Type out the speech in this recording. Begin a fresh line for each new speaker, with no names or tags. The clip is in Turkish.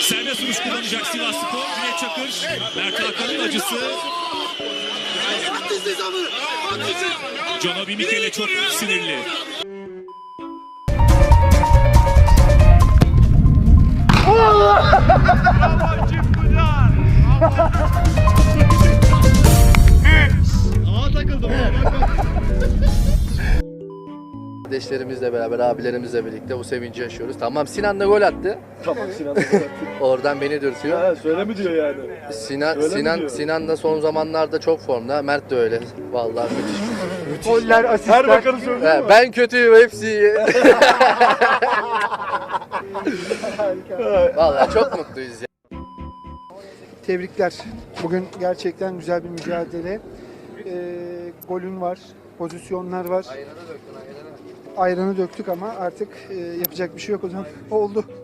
Serbest vuruş kullanacak Sivasspor. Cüneyt Çakır. Mert Hakan'ın acısı. Canobi Mikele çok sinirli.
Kardeşlerimizle beraber, abilerimizle birlikte bu sevinci yaşıyoruz. Tamam, Sinan da gol attı.
Tamam, Sinan da gol attı.
Oradan beni dürtüyor.
Ha, söyle mi diyor yani?
Sinan da son zamanlarda çok formda. Mert de öyle. Vallahi müthiş.
Goller, asistler.
Her bakanı söylüyor mu?
Ben kötüyüm, hepsi iyi. Vallahi çok mutluyuz ya.
Tebrikler. Bugün gerçekten güzel bir mücadele. Golün var, pozisyonlar var. Ayranı döktük ama artık yapacak bir şey yok o zaman. Oldu.